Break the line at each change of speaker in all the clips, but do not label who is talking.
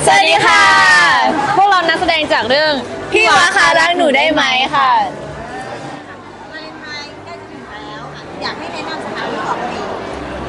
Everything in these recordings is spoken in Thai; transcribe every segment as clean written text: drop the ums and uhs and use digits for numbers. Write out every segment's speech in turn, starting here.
สวัสดีค่ะพวกเรานักแสดงจากเรื่องพี่วาคะรักหนูได้ไหมค่ะ
วาเลนไทน์ใกล้จะถึงแล้วอยากให้แนะนำสถานที่ออกเดท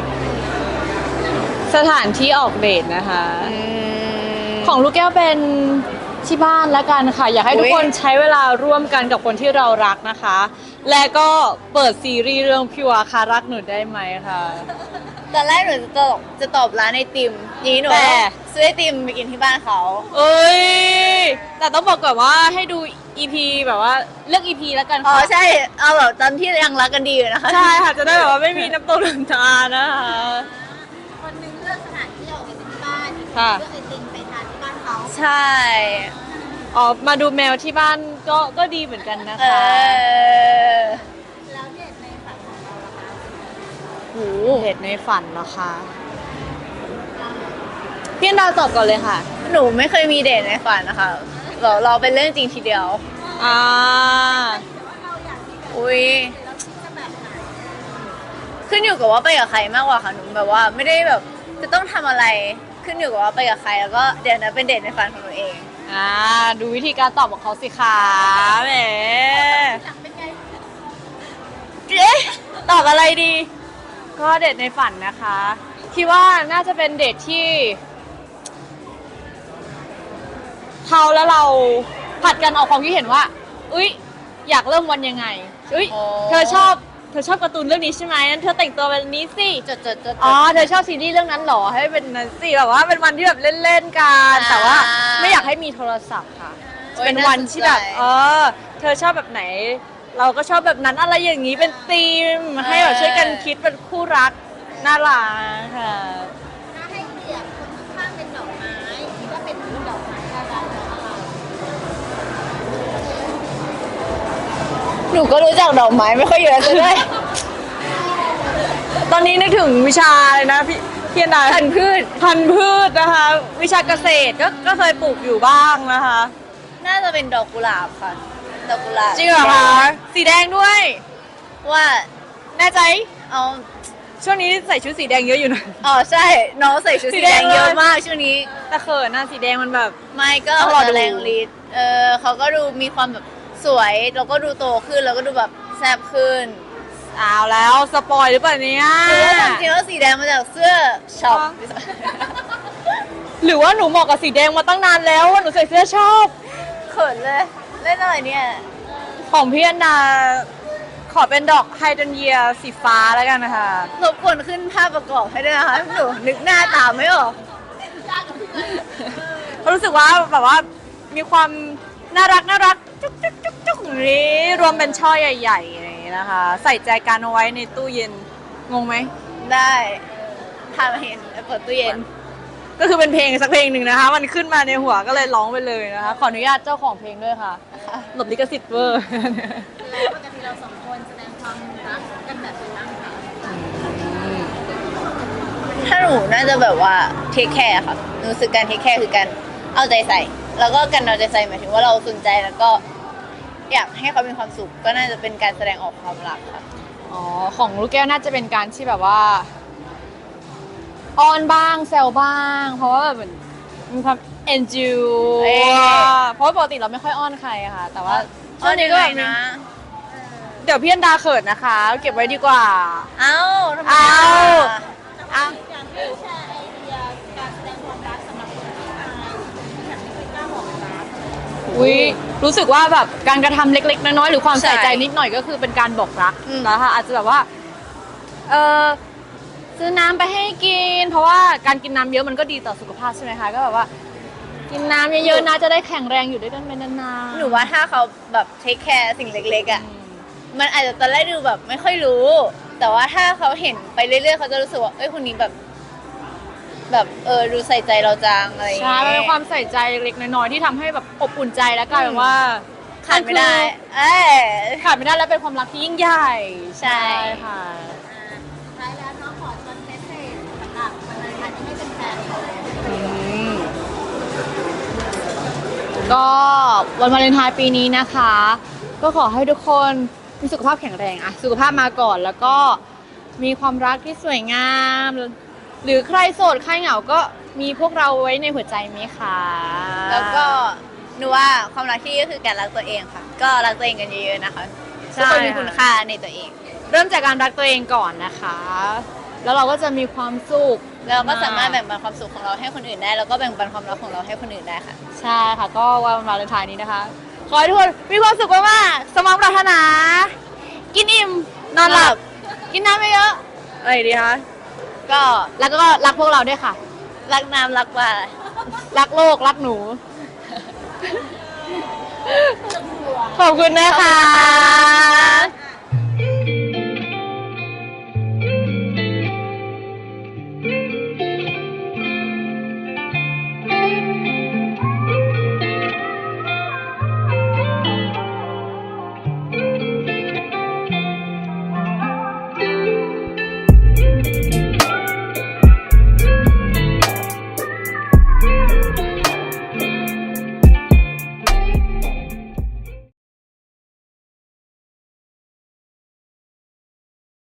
สถานที่ออกเดทนะคะของลูกแก้วเป็นที่บ้านแล้วกันค่ะอยากให้ทุกคนใช้เวลาร่วมกันกับคนที่เรารักนะคะ และก็เปิดซีรีส์เรื่องพี่วาคะรักหนูได้ไหมค่ะ
ตอนแรกหนูจะตอบร้านไอติมนี้หนูซื้อไอติมไปกินที่บ้านเขา
เอ้ยแต่ต้องบอกก่อนว่าให้ดู EP แบบว่าเลือก EP แล้วกัน
อ๋อ
ค่ะ
ใช่เอาแบบตอนที่ยังรักกันดีอยู่นะคะ
ใช่ค่ะจะได้แบบว่าไม่มีน้ำตกน้ำตานะคะ
คนนึงเลือกสถานที่ออกเดทที่บ้านอีก
ค่ะ
เลือกไอติมไปทานที่บ้านเขา
ใช่อ๋อมาดูแมวที่บ้านก็ดีเหมือนกันนะคะ
แล้วเดทในฝันของเราล่ะคะ
โหเห็ดในฝันเหรอคะพี่อันดาวตอบก่อนเลยค่ะ
หนูไม่เคยมีเดทในฝันนะคะเราเป็นเรื่องจริงทีเดียว
อ่า
อุ้ยขึ้นอยู่กับว่าไปกับใครมากกว่าค่ะหนูแบบว่าไม่ได้แบบจะต้องทำอะไรขึ้นอยู่กับว่าไปกับใครแล้วก็เดี๋ยวนะเป็นเดทในฝันของหนูเอง
ดูวิธีการตอบของเขาสิคะแหมเอ๊ะตอบอะไรดี ก็เดทในฝันนะคะคิดว่าน่าจะเป็นเดทที่เขาและเราผัดกันออกความคิดเห็นว่าอุ๊ยอยากเริ่มวันยังไงอุ๊ย
อ๋อ
เธอชอบการ์ตูนเรื่องนี้ใช่ไหมนั้นเธอแต่งตัวแบบนี้สิ
จด
อ๋อเธอชอบซีรีส์เรื่องนั้นเหรอให้เป็นนั้นสิแบบว่าเป็นวันที่แบบเล่นๆกันแต่ว่าไม่อยากให้มีโทรศัพท์ค่ะเป็นวันที่แบบเธอชอบแบบไหน เราก็ชอบแบบนั้นอะไรอย่างนี้เป็นธีมให้แบบช่วยกันคิดเป็นคู่รักน่ารักค่ะ
ถ้าให้เปรียบคนข้างๆเป็นดอกไม้คิดว่าเป็นดอกไม้อะไรหนูก็รู้จักดอกไม้ไม่ค่อยเยอะเลย
ตอนนี้นึกถึงวิชาเลยนะพี่นา
พันธุ์พืช
พันธุ์พืชนะคะ วิชาเกษตรก็เคยปลูกอยู่บ้างนะคะ
น่าจะเป็นดอกกุหลาบค่ะดอกกุหลาบ
จริงเหรอคะสีแดงด้วย
ว่า
แน่ใจ
เอา
ช่วงนี้ใส่ชุดสีแดงเยอะอยู่นะ
อ๋อใช่น้องใส่ชุดสีแดงเยอะมากช่วงนี้
แต่เขินนะสีแดงมันแบบ
ไม่ก็
ต้องรอดู
แรงฤทธิ์เขาก็ดูมีความแบบสวยแล้วก็ดูโตขึ้นแล้วก็ดูแบบแซ่บขึ้น
อ้าวแล้วสปอยหรือเปล่าเนี่ย
หรือว่าความจริงแล้วสีแดงมาจากเสื้อช็อป
หรือว่าหนูเหมาะกับสีแดงมาตั้งนานแล้วว่าหนูใส่เสื้อชอบ
เขินเลยเล่นอะไรเนี่ย
ของพี่อันดาขอเป็นดอกไฮดรนเยียสีฟ้าแล้วกันนะคะ
รบกวนขึ้นภาพประกอบให้ด้วยนะคะหนูนึกหน้าตามไม่ออก
เพราะรู้สึกว่าแบบว่ามีความน่ารักจุ๊กอย่างนี้รวมเป็นช่อใหญ่ๆอย่างนี้นะคะ ใส่ใจกันเอาไว้ในตู้เย็นงงไหม
ได้ทำเห็นเปิดตู้เย็น
ก็คือเป็นเพลงสักเพลงหนึ่งนะคะ มันขึ้นมาในหัวก็เลยร้องไปเลยนะคะ ขออนุญาตเจ้าของเพลงด้วยค่ะหลบลิขสิทธิ์เวอร์
แล้วปกติเราสองคนแสดงความรักกันแบบไหนบ้างคะถ้าหนูน่าจะแบบว่าเทคแคร์ค่ะหนูรู้สึกการเทคแคร์คือการเอาใจใส่ แล้วก็การเอาใจใส่หมายถึงว่าเราสนใจแล้วก็อยากให้เขามีความสุขก็น่าจะเป็นการแสดงออกความรักค่ะ
อ๋อของลูกแก้วน่าจะเป็นการที่แบบว่าอ้อนบ้างแซวบ้าง เพราะว่าแบบเหมือนมีความเอ็นจูเพราะว่าปกติเราไม่ค่อยอ้อนใครอะค่ะ แต่ว่าช่วงนี้ก็แบบมีเดี๋ยวพี่อันดาเขินนะคะ เก็บไว้ดีกว่า
เอ้าทำไม
เอา
อ่ะ
อยากให้แชร์ไอเดียการแสดงความรักสำหรับคนที่อายที่แบบไม่เคยกล้าบอกรัก
อุ๊ยรู้สึกว่าแบบการกระทำเล็กๆน้อยๆหรือความใส่ใจนิดหน่อยก็คือเป็นการบอกรักแล้วค่ะอาจจะแบบว่าซื้อน้ำไปให้กิน เพราะว่าการกินน้ำเยอะมันก็ดีต่อสุขภาพใช่ไหมคะก็แบบว่า กินน้ำเยอะๆนะจะได้แข็งแรงอยู่ด้วยกันไปนานๆ
หนูว่าถ้าเขาแบบเทคแคร์สิ่งเล็กๆอ่ะมันอาจจะตอนแรกดูแบบไม่ค่อยรู้ แต่ว่าถ้าเขาเห็นไปเรื่อยๆเขาจะรู้สึกว่าเอ้ยคนนี้แบบดูใส่ใจเราจังอะไรอย่าง
ใช่
เงี้ย
มันเป็นความใส่ใจเล็กน้อยๆที่ทำให้แบบอบอุ่นใจแล้วกลายเป็นว่า
ขาดไม่ได้
ขาดไม่ได้แล้วเป็นความรักที่ยิ่งใหญ่
ใช่
ค่ะ
ท้ายแล้วน้องขอชวนเมสเซจสำหรับวันนั้นที่ให้เป็นแฟนๆเลย
ก็วันวาเลนไทน์ปีนี้นะคะ ก็ขอให้ทุกคนมีสุขภาพแข็งแรงอะสุขภาพมาก่อนแล้วก็มีความรักที่สวยงามหรือใครโสดใครเหงาก็มีพวกเราไว้ในหัวใจไหมคะ
แล้วก็หนูว่าความรักที่ดีก็คือการรักตัวเองค่ะ ก็รักตัวเองกันเยอะๆนะคะทุกคนมีคุณค่าในตัวเอง
เริ่มจากการรักตัวเองก่อนนะคะ แล้วเราก็จะมีความสุข
แล้วเราก็สามารถแบ่งปันความสุขของเราให้คนอื่นได้แล้วก็แบ่งปันความรักของเราให้คนอื่นได้ค่ะ
ใช่ค่ะ ก็วันวาเลนไทน์นี้นะคะ ขอให้ทุกคนมีความสุขมากๆสมหวังปรารถนา กินอิ่ม นอนหลับ กินน้ำเยอะๆอะไรดีคะ
ก็
แล้วก็รักพวกเราด้วยค่ะ
รักน้ำรักปลา
รักโลก รักหนู ขอบคุณนะคะ